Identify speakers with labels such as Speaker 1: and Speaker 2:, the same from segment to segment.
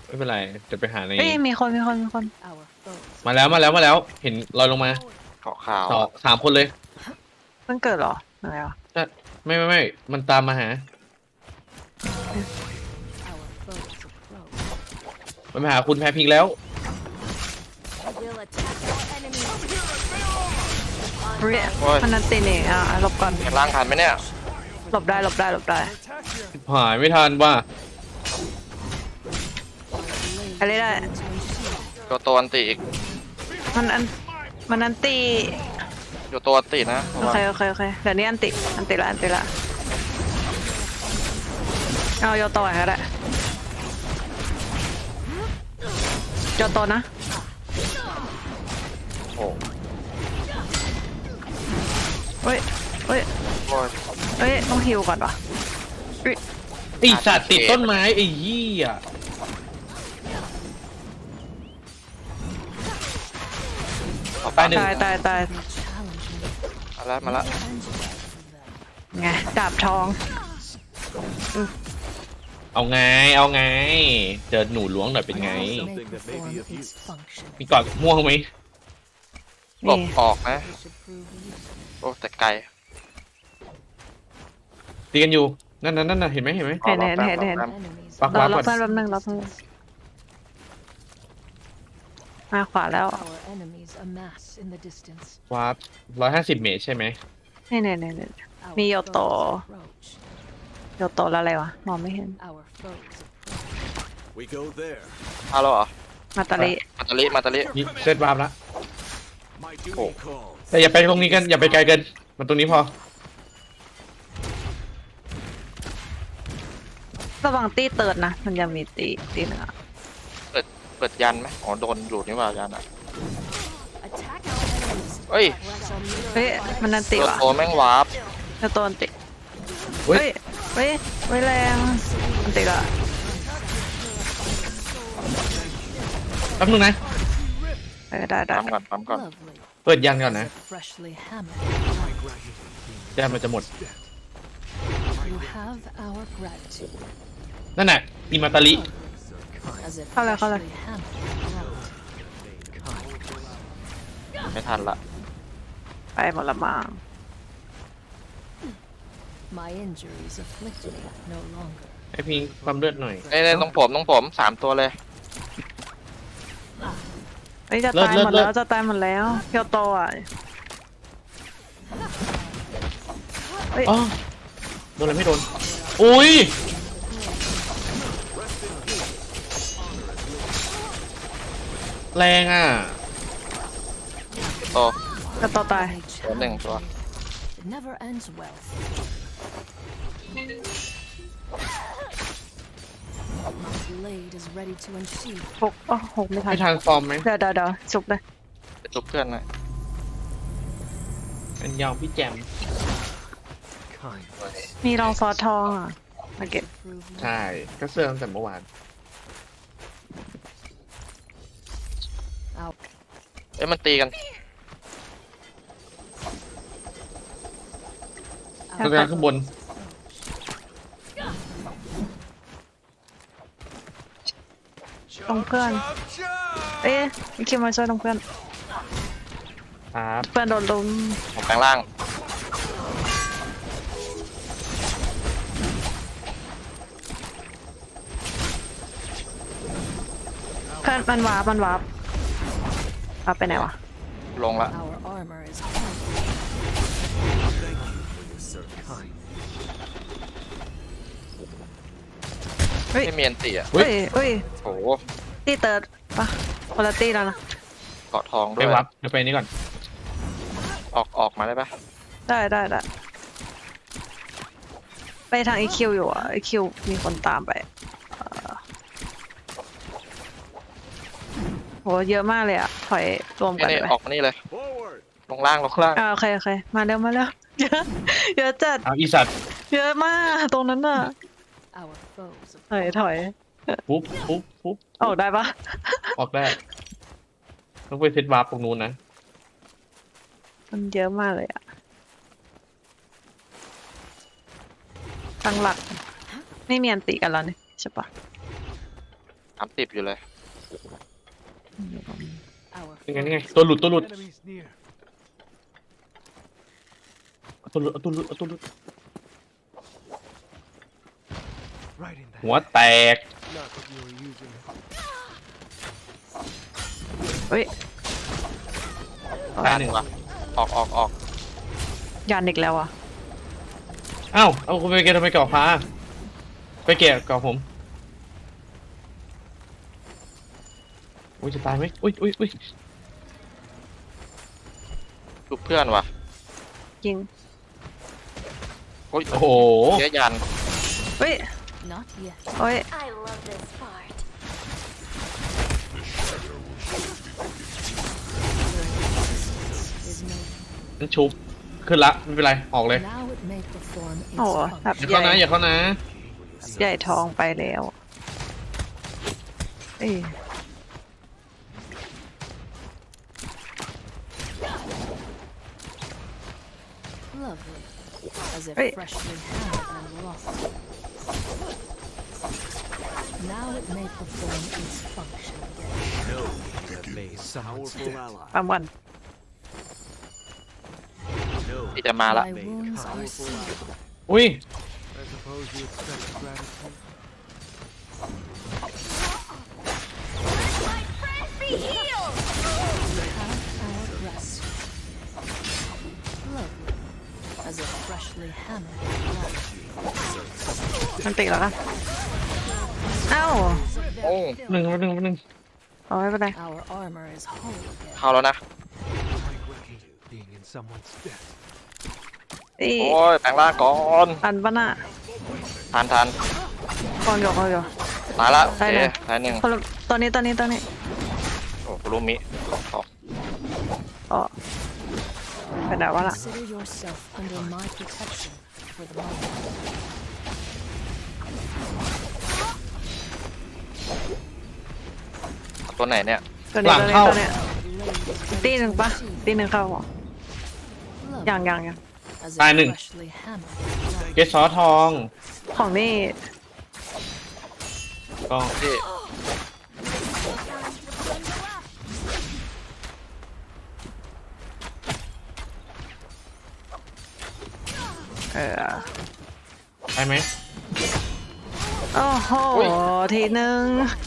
Speaker 1: ไม่เป็นไรจะไปหาใน
Speaker 2: เอ้ยมีคน
Speaker 1: มาแล้วเห็นลอยลงมา
Speaker 3: ขาวขาว
Speaker 1: 3 คนเลย
Speaker 2: เพิ่งเกิดเหรออะไรวะ
Speaker 1: จะไม่มันตามมาหามันมาหาคุณแพ้พิงแล้ว
Speaker 2: เรียมันนันตีนี่หลบก่อน
Speaker 3: เห็นร่างทันไหมเนี่ย
Speaker 2: หลบได้
Speaker 1: หายไม่ทันว่า
Speaker 2: อะไรได้
Speaker 3: ตัวอันติอีก
Speaker 2: มันนันตี
Speaker 3: ตัวอันตินะ
Speaker 2: โอเคเดี๋ยวนี้อันติละเอาโยโตะก็ได้โยโตะนะ
Speaker 3: โอ้
Speaker 2: เฮ้ย
Speaker 3: โอ้ย
Speaker 2: ต้องฮิวก่อนวะ
Speaker 1: ไอสัตว์ติดต้นไม้ไอ้ยี่อ่ะ
Speaker 3: เอาไป
Speaker 1: ตายหนึ่ง
Speaker 2: ตาย
Speaker 3: มาละ
Speaker 2: ไงดาบทอง
Speaker 1: เอาไงเจอหนูล้วงหน่อยเป็นไง
Speaker 4: Something that may be of use.
Speaker 1: มีกอดม่วงไหม
Speaker 3: หลบ
Speaker 2: นี่
Speaker 3: ออกนะโอ้แต่ไกล
Speaker 1: ตีกันอยู่นั่นเห็นไหม
Speaker 2: เห็น
Speaker 1: ปัก
Speaker 2: รอ
Speaker 1: วาร์ปก่อน
Speaker 2: เพื่อนแป๊บนึงมาขวาแล้ว
Speaker 1: วาร์ป150 เมตรใช่ไหม
Speaker 2: นี่มีโยโตแล้วอะไรวะมองไม่เห็น
Speaker 4: We go there.
Speaker 3: เอาแล้วเหรอ
Speaker 2: มาตาลิ
Speaker 3: มาตาลิ
Speaker 1: นี่เซตวาร์ปแล้ว
Speaker 4: My duty calls.
Speaker 1: แต่อย่าไปตรงนี้กันอย่าไปไกลเกินมันตรงนี้พอ
Speaker 2: ระวังตีเติร์ดนะมันยังมีตีหนึ่ง
Speaker 3: เปิดยันไหมอ๋อโดนหลุดนี่ว่ายันอ่ะเฮ้ย
Speaker 2: เฮ้ยมันนันติว่ะ
Speaker 3: ตัวแม่งวาร์ป
Speaker 2: โยโตนันติ
Speaker 1: เฮ้ย
Speaker 2: เฮ้ยแรงนันติละ
Speaker 1: แป๊บนึงนะ
Speaker 2: ได้
Speaker 3: ปั๊มก่อน
Speaker 1: เปิดยันก่อนนะยันมันจะหมดนั่นน่ะมีมาตาลิ
Speaker 2: เข้าเลย
Speaker 3: ไม่ทันละ
Speaker 2: ไปหมดละมั้ง
Speaker 5: My injuries afflict me no longer.
Speaker 1: ให้พิงความเลือดหน่อย
Speaker 3: เนี่ยต้องผม3 ตัวเลย
Speaker 2: เฮ้ยจะตายหมดแล้วโยโตอ่ะเฮ้ย
Speaker 1: อ๋อโดนอะไรไม่โดนอุ้ยแรงอ่ะ
Speaker 3: ตัว
Speaker 2: โยโตตาย
Speaker 3: ตัวหนึ่งตัว
Speaker 5: It never ends well. My blade is ready to unsheath.
Speaker 2: หกไม่ทัน
Speaker 1: ให้ทานฟอร์มไหม
Speaker 2: เดี๋ยวจุกเลย
Speaker 3: ไปจุบเพื่อนหน่อย
Speaker 1: เป็นยองพี่แจม
Speaker 4: Kind.
Speaker 2: มีรองซอสทองอ่ะมาเก็บ
Speaker 5: Prove me
Speaker 1: ใช่ก็เสื้อตั้งแต่เมื่อวาน
Speaker 5: out.
Speaker 3: เอ้ยมันตีกัน
Speaker 1: ต้องการข้างบน
Speaker 2: ตรงเพื่อน เอ๊ะมีคิวมาช่วยตรงเพื่อน
Speaker 1: ครับ
Speaker 2: เพื่อนโดนลุม
Speaker 3: ผมแปลงร่าง
Speaker 2: เพื่อนมันวาร์ปไปไหนวะ
Speaker 3: ลงละ
Speaker 5: Our armor is
Speaker 4: Thank you for your service. Kind.
Speaker 3: ไม่มีอันตีอ่ะ
Speaker 1: เฮ้ย
Speaker 2: เฮ้ย
Speaker 3: โอ้โห
Speaker 2: ตีเติร์ดปะคนละตีแล้วนะ
Speaker 3: เกาะทองด้
Speaker 1: ไป
Speaker 3: วย
Speaker 1: วับเดี๋ยวไปนี่ก่อน
Speaker 3: ออกมาได้ปะ
Speaker 2: ได้ไปทางอีคิวอยู่อ่ะอีคิวมีคนตามไปโหเยอะมากเลยอ่ะถอยรวมกัน
Speaker 3: นี่
Speaker 2: ไป
Speaker 3: ออกมานี่เลย
Speaker 4: Forward.
Speaker 3: ลงล่าง
Speaker 2: โอเคมาเร็วเยอะจัด
Speaker 1: เอาอีสัตว์
Speaker 2: เยอะมากตรงนั้นน่ะ
Speaker 5: our foes.
Speaker 2: ถอย
Speaker 1: ปุ๊บ
Speaker 2: ออกได้ปะ
Speaker 1: ออกได้ต้องไปเซตวาร์ปตรงนู้นนะ
Speaker 2: มันเยอะมากเลยอ่ะตั้งหลักไม่มีอันติกันแล้วนี่ใช่ปะ
Speaker 3: 30อยู่เลย
Speaker 5: Our
Speaker 1: ยังไงยังไงตัวหลุด
Speaker 4: Enemies near.
Speaker 1: เอาตัวหลุดเอาตัวหลุดเอาตัวหลุด
Speaker 4: Right in there.
Speaker 1: หัวแตก
Speaker 4: Not that you were using it.
Speaker 2: เฮ้ย
Speaker 1: ตายหนึ่ง
Speaker 3: วะออก
Speaker 2: ยันอีกแล้วอ่ะ
Speaker 1: อ้าวเอาคุณไปเกะทำไมเกาะฟ้าไปเกะเกาะผมอุ้ยจะตายไหมอุ้ย
Speaker 3: ชุบเพื่อนวะ
Speaker 2: ยิง
Speaker 3: โอ้ย
Speaker 1: โอ้โห
Speaker 3: เสียยัน
Speaker 2: เฮ้ย
Speaker 5: not yet.
Speaker 2: เฮ้ย
Speaker 6: I love this part.
Speaker 5: Is no
Speaker 1: นั่นชุบขึ้นละไม่เป็นไรออกเลย
Speaker 5: now it may perform its
Speaker 2: โอ้โหแบบ
Speaker 5: function.
Speaker 1: อย่า
Speaker 2: ให
Speaker 1: เข้า
Speaker 2: ญ่
Speaker 1: นะอย่าเข้านะ
Speaker 2: ใหญ่ทองไปแล้วเอ้ย
Speaker 5: Lovely, as if
Speaker 2: Wait.
Speaker 5: freshly hammered and wrought. Now it may perform its function again.
Speaker 4: No, you have made powerful ally.
Speaker 2: ปั๊มวัน
Speaker 4: No,
Speaker 3: ที่จะมาละ
Speaker 5: My wounds are
Speaker 4: powerful
Speaker 5: sealed.
Speaker 4: ally.
Speaker 1: อุ้ย
Speaker 4: I suppose you expect gratitude.
Speaker 6: My friend be healed!
Speaker 5: We have our rest. Lovely, as if freshly hammered and wrought.
Speaker 2: มันติดแล้วนะเอ้า
Speaker 3: โอ้
Speaker 1: หนึ่ง
Speaker 2: เอาไม่เป็นไร
Speaker 5: Our armor is whole again.
Speaker 3: เข้าแล้วนะ
Speaker 4: I regret being in someone's debt.
Speaker 2: อี
Speaker 3: โอ้ยแปลงร่างก่อน
Speaker 2: อันปะน่ะ
Speaker 3: ทัน
Speaker 2: กองอยู่
Speaker 3: ตายละ
Speaker 2: ได้
Speaker 3: โอเค
Speaker 2: เลย
Speaker 3: ตายหนึ่ง
Speaker 2: คนละตอนนี้
Speaker 3: โอ้คุรุมิขอ
Speaker 2: อ๋อเป็นแบบว่าล่ะ
Speaker 5: Consider yourself under my protection for the moment.
Speaker 3: ตัวไหนเนี่ย
Speaker 2: ตัวนี้
Speaker 1: หลังเข้า
Speaker 2: ตัวนี้ตีหนึ่งปะตีหนึ่งเข้าเหรอ
Speaker 5: Lovely,
Speaker 2: ยัง
Speaker 5: as if
Speaker 1: ตายหนึ่ง
Speaker 5: freshly hammered.
Speaker 1: เกสซอทอง
Speaker 2: ของนี่
Speaker 1: ก็
Speaker 3: ที่
Speaker 1: ได้ไหม
Speaker 2: โอ้โหทีหนึ่ง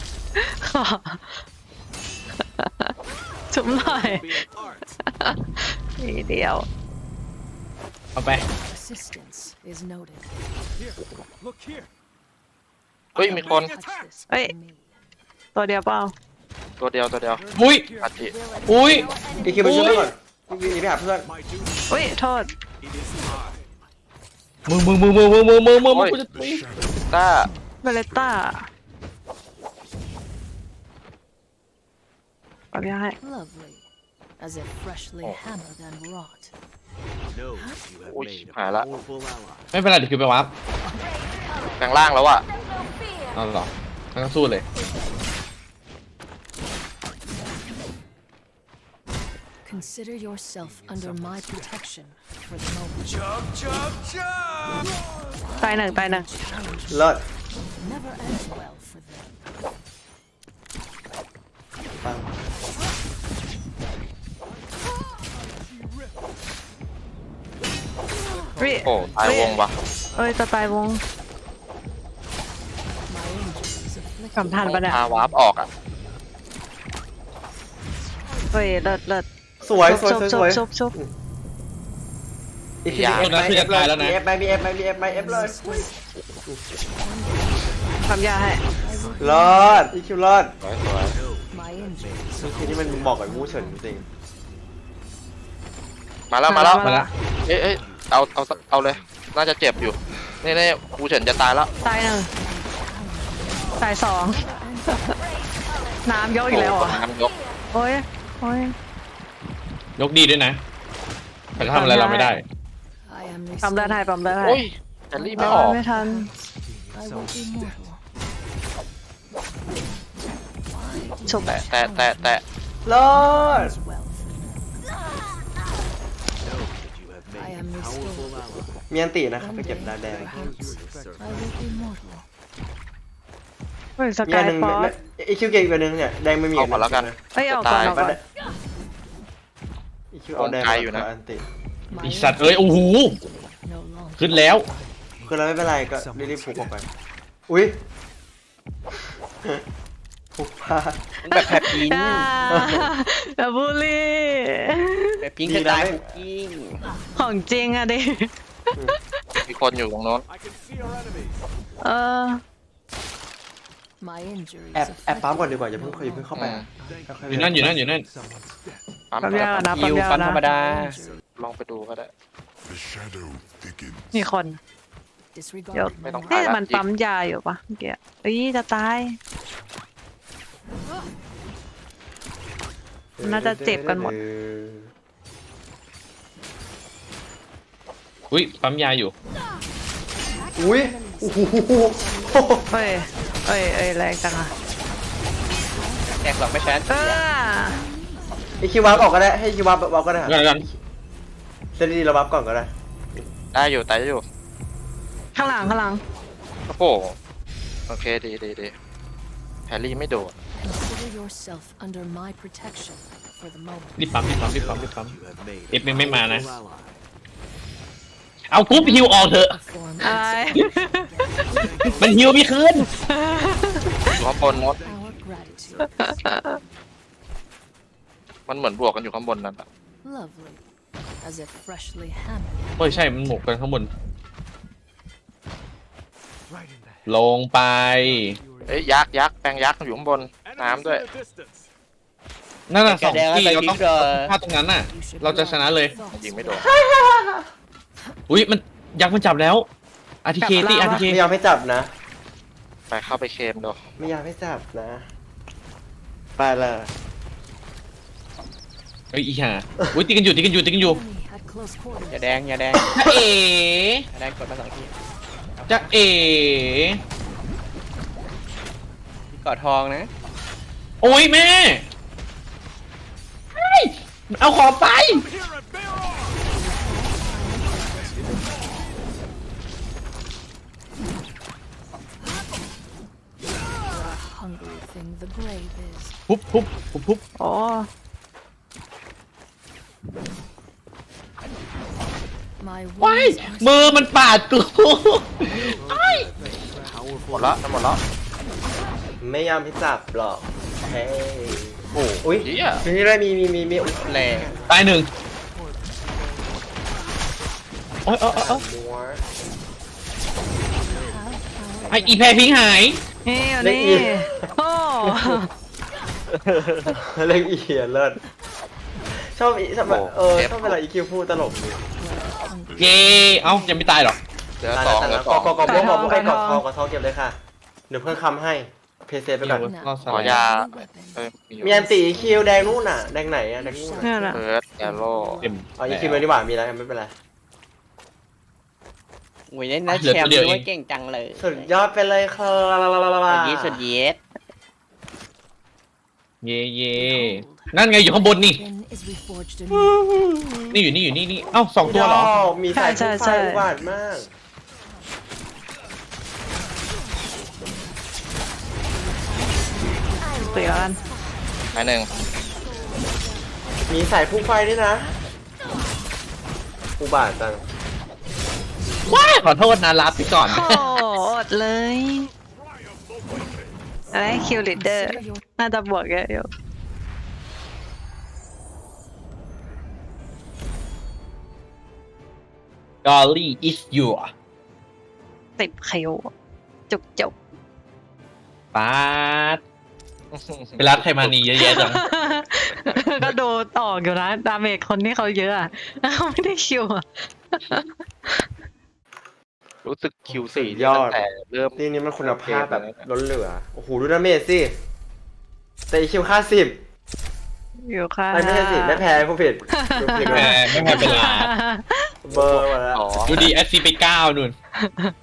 Speaker 2: จุ่มหน่อย
Speaker 4: Be an art.
Speaker 2: ทีเดียว
Speaker 1: เอาไป
Speaker 5: Assistance is noted.
Speaker 4: Here, look here.
Speaker 3: เฮ้ยมีคน
Speaker 5: Touch this
Speaker 2: Wait.
Speaker 5: for me.
Speaker 2: ตัวเดียวเปล่า
Speaker 3: ตัวเดียว
Speaker 1: อุ้ย
Speaker 3: อาจิ
Speaker 1: อุ้ย
Speaker 7: อีคิวไปช่วยก่อนพี่หนีไปหาเพื่อน
Speaker 4: My duty.
Speaker 2: อุ้ยโทษ
Speaker 4: It is time.
Speaker 1: มึงกูจะตี
Speaker 3: ต้า
Speaker 2: เบเลต้าปรับยาให้
Speaker 5: Lovely, as if freshly hammered and wrought.
Speaker 4: No, you have
Speaker 3: Ui,
Speaker 4: made a
Speaker 3: hả lạ.
Speaker 4: powerful ally.
Speaker 1: ไม่เป็นไรเดี๋ยวคิวไปวับ
Speaker 3: แปลงร่างแล้วอะ
Speaker 6: No fear.
Speaker 1: เอาหรองั้นก็สู้เลย
Speaker 5: Consider yourself under my protection for the moment.
Speaker 4: Chug, chug, chug!
Speaker 2: ตายหนึ่ง
Speaker 5: Challenge
Speaker 7: เลิศ
Speaker 5: never ends well for them.
Speaker 7: ปัง
Speaker 2: วิ
Speaker 3: โอ้ตายวงปะ
Speaker 2: เอ้ยจะตายวง
Speaker 5: My injuries afflict
Speaker 2: กำทันปะเนี่ย
Speaker 3: พาวาร์ปออกอะ
Speaker 2: เฮ้ยเลิศ
Speaker 7: สวย
Speaker 2: ชุบ
Speaker 7: อีคิวเอฟไหมเอฟเลยมีเอฟไหมมีเอฟไหมมีเอฟไหมเอฟเลย
Speaker 2: ทำยาให้
Speaker 7: รอดอีคิวรอด
Speaker 3: สวย
Speaker 5: my injuries.
Speaker 7: ทีนี้มันบอกกับมูเฉินจริง
Speaker 3: มาแล้วมาแล้ว
Speaker 1: มาแล้ว
Speaker 3: เอ้ยเอาเลย น่าจะเจ็บอยู่นี่กูเฉินจะตายแล้ว
Speaker 2: ตายหนึ่งตายสอง น้ำยกอีกแล้วเหรอ
Speaker 3: น้ำยก
Speaker 2: โอ้ย
Speaker 1: ยกดีด้วยนะ แต่ก็ทำอะไรเราไม่ได้
Speaker 5: I am
Speaker 2: ปั๊มได้
Speaker 5: restored.
Speaker 2: ปั๊มได้
Speaker 3: โอ้ยแต่รีบไม่ออก
Speaker 2: ไม่ทัน
Speaker 5: I will be mortal.
Speaker 2: ฉุบ
Speaker 3: แต่
Speaker 7: รอด
Speaker 5: As well for them.
Speaker 4: Know that you have
Speaker 5: I
Speaker 4: made
Speaker 5: am
Speaker 4: a powerful
Speaker 5: restored.
Speaker 4: ally.
Speaker 7: มีอันตีนะครับไป
Speaker 5: One
Speaker 7: เก็บ
Speaker 5: day,
Speaker 7: ดาวแดง
Speaker 5: perhaps, I will be mortal.
Speaker 2: ฮ้ยส
Speaker 7: มี
Speaker 2: กา
Speaker 7: อั
Speaker 2: ย
Speaker 7: นหนึ่ง
Speaker 2: ฟอส
Speaker 7: ไอคิวเก่งตัวหนึงเนี่ยแดงไม่มี
Speaker 3: เอาก่อนแล้วกัน
Speaker 2: เอ้ยเอาก่อน
Speaker 3: จะตาย
Speaker 2: เอาก่อน
Speaker 7: อีคิวเอาแดง
Speaker 3: ไกลอยู่นะ
Speaker 7: อันติ
Speaker 1: ไอสัตว์เอ้ยโอ้โห
Speaker 5: No longer.
Speaker 1: ขึ้นแล้ว
Speaker 7: คือเราไม่เป็นไรก็รีบๆพุกออกไปอุ้ยพุกพลาด
Speaker 8: แบบแผลพิง
Speaker 2: อ่าแบบบูลลี่
Speaker 8: แบบพิง
Speaker 7: ดี
Speaker 8: ส
Speaker 7: นะ
Speaker 8: ไตล์
Speaker 7: ไม่
Speaker 8: คุกกิ้ง
Speaker 2: ของจริงอะดิ
Speaker 3: มีคนอยู่ตรงโน้น
Speaker 4: I can see our enemies.
Speaker 2: เออ
Speaker 5: My injuries
Speaker 7: แอบปั๊ม
Speaker 5: affect
Speaker 7: ก่อนดีกว่าอย่าเพิ่งเข้าไป ค่ๆ
Speaker 1: อยู่นั่นอยู่นั่นอยู่นั่น
Speaker 3: ปั๊ม
Speaker 2: ปั๊มยาก่อนนะ
Speaker 8: คิวฟันธรรมดา
Speaker 3: ลองไปดูก็ได้
Speaker 9: The shadow thickens.
Speaker 2: มีคน
Speaker 5: disregard
Speaker 2: เดี๋ยว
Speaker 3: ไม่ต้อง
Speaker 2: เอ๊ะ
Speaker 3: ตายละ
Speaker 2: มันปั๊มยาอยู่ปะเมื่อกี้เอ้ยจะตาย น่าจะเจ็บกันหมด
Speaker 1: อุ้ยปั๊มยาอยู่
Speaker 7: อุ้ยโอ้โห
Speaker 2: เฮ้ยแรงจังอะ
Speaker 8: แตกหรอกไม่แชน
Speaker 2: เออ
Speaker 7: ไอคิววับออกก็ได้ให้คิววับก็ได้
Speaker 1: กันกัน
Speaker 7: เซนดีเราวับก่อนก็ได้
Speaker 3: ได้อยู่ตายอยู่
Speaker 2: ข้างหลัง
Speaker 3: โอ้โหโอเคดีแฮร์รี่ไม่โดด
Speaker 5: Consider yourself under my protection for the moment.
Speaker 1: รีบปั๊มรีบปั๊มรีบปั๊มรีบปั๊ม
Speaker 4: You have made
Speaker 1: เอฟไม่มานะ
Speaker 4: a ally.
Speaker 1: เอากรุ๊ปฮิวออกเถอะ
Speaker 5: Perform
Speaker 2: อะไร
Speaker 1: มันฮิวไม่คืน
Speaker 3: อยู่ข้างบนโน้น
Speaker 5: our gratitude.
Speaker 3: มันเหมือนบวกกันอยู่ข้างบนนั่นอะ
Speaker 5: Lovely. As if freshly hammered.
Speaker 1: โอ้ยใช่มันหมกกันข้างบน
Speaker 4: Right in the
Speaker 1: ลงไป
Speaker 3: เอ้ยยักษ์แปลงยักษ์อยู่ข้างบน น้ำด้วย
Speaker 4: in the distance.
Speaker 1: นั่นน่ะส
Speaker 8: แก
Speaker 1: อง
Speaker 8: แดงแล้ว
Speaker 1: ที่
Speaker 8: ไป
Speaker 1: เรา
Speaker 8: พิ
Speaker 1: ต้อง
Speaker 8: งเลย
Speaker 1: พลาดตรงนั้นน่ะ
Speaker 5: You should
Speaker 1: เราจะชนะเลย
Speaker 5: thoughts
Speaker 3: ยิงไม่โดน
Speaker 1: อุ้ยมันยักษ์มันจับแล้วอาร์ทีเคตีอาร์ทีเค
Speaker 7: ไม่ยอมให้จับนะ
Speaker 3: ไปเข้าไปเคมดู
Speaker 7: ไม่ยอมให้จับนะ ไปเลย
Speaker 1: เฮ้ยอีห่าอุ้ยตีกันอยู่
Speaker 5: enemy at close quarters.
Speaker 8: อย่าแดง
Speaker 1: จะเอ๋
Speaker 8: อย่าแดงกดมา2 ที
Speaker 1: จะเอ๋
Speaker 8: กอดทองนะ
Speaker 1: โอ้ยแม่เฮ้ยเอาของไป
Speaker 4: Here and bear on.
Speaker 5: Hungry thing the grave is.
Speaker 1: ปุ๊บ
Speaker 2: โอ้
Speaker 5: My
Speaker 1: ว้าย
Speaker 5: wounds are
Speaker 1: มือมันปาดกู
Speaker 3: หมดละหมดละ
Speaker 7: ไม่ยอมให้จับหรอกเฮ้ย
Speaker 3: โอ้
Speaker 7: อุ้ย
Speaker 3: เหี้ย
Speaker 7: นี่ด้วยมี
Speaker 8: แรง
Speaker 1: ตายหนึ่งโอ้ย
Speaker 7: มัว
Speaker 1: ไออีแพรพิงหาย
Speaker 2: นี่อยู่
Speaker 7: เล็ก
Speaker 2: นี่
Speaker 7: อี
Speaker 2: โอ้
Speaker 7: เล็กอีเหี้ยเลิศชอบอีชอบแบบชอบเวลาอีคิวพูดตลกดี
Speaker 1: เย้เอ้ายังไม่ตายหรอ
Speaker 3: เหลือสองเหลือสอง
Speaker 7: กอกบอกไอ้กอกทองเก็บเลยค่ะ เดี๋ยวเพิ่งคำให้ เพย์เซฟไปก่อน
Speaker 1: รอดส
Speaker 3: ขอ
Speaker 1: ไลด์
Speaker 3: ยา
Speaker 5: weapon.
Speaker 3: เอ้ยมีอยู่
Speaker 7: มีอันตีอีคิวแดงนู่นน่ะ แดงไหนอะแดงนู่น
Speaker 2: นี่
Speaker 7: น่ะ
Speaker 2: แหละ
Speaker 3: เฟิร์สแอโร่
Speaker 1: เต็ม
Speaker 7: อ๋ออีคิวเลยดีกว่ามีแล้วไม่เป็นไร
Speaker 8: โอ้ยเล่นนะ
Speaker 1: เหลือ
Speaker 8: แชม
Speaker 1: ตัว
Speaker 8: ป์
Speaker 1: เดียว
Speaker 8: ด้วย
Speaker 1: เอง
Speaker 8: เก่งจังเลย
Speaker 7: สุดยอดไปเลยค่ะ
Speaker 8: สุดยีด
Speaker 1: เย่เย่นั่นไงอยู่ข้างบนนี่
Speaker 5: Then is reforged anew.
Speaker 1: นี่นี่เอ้าสองตัวเหรอ
Speaker 7: มีสายไฟอุบาทมาก
Speaker 2: ตีแล้วกัน
Speaker 3: ไปหนึ่ง
Speaker 7: มีสายพุ่งไฟด้วยนะ อุบาทจัง
Speaker 1: ว้ายขอโทษนะรับไปก่อน
Speaker 2: โอ้อดเลยอะไรคิวลิเดอร์ น่าจะบวกเยอะอยู่
Speaker 1: Golly is your
Speaker 2: 10 คิวจุก
Speaker 1: ปาดไปรัดใครมานีเยอะแยะจัง
Speaker 2: ก็ดูออกอยู่นะ ดาเมจคนที่เขาเยอะอะเขาไม่ได้คิวอะ
Speaker 3: รู้สึกคิว
Speaker 7: สุ
Speaker 3: สี่
Speaker 7: ดยอด
Speaker 3: แต่เริ่ม
Speaker 7: ทีนี้มันคุณภาพแบบล้นเหลือ โอ้โห ดูดาเมจสิ แต่อีคิวค่า10
Speaker 2: อยู่ค่ะ
Speaker 7: ไม่ใช่สิไม่แพ้ผู้ผิดดูผิด
Speaker 1: แหมไม่แพ้เป็นลา
Speaker 7: เบอร์มาแล้ว
Speaker 3: อ๋อ
Speaker 1: ดูดีแอสซีไป9นู่น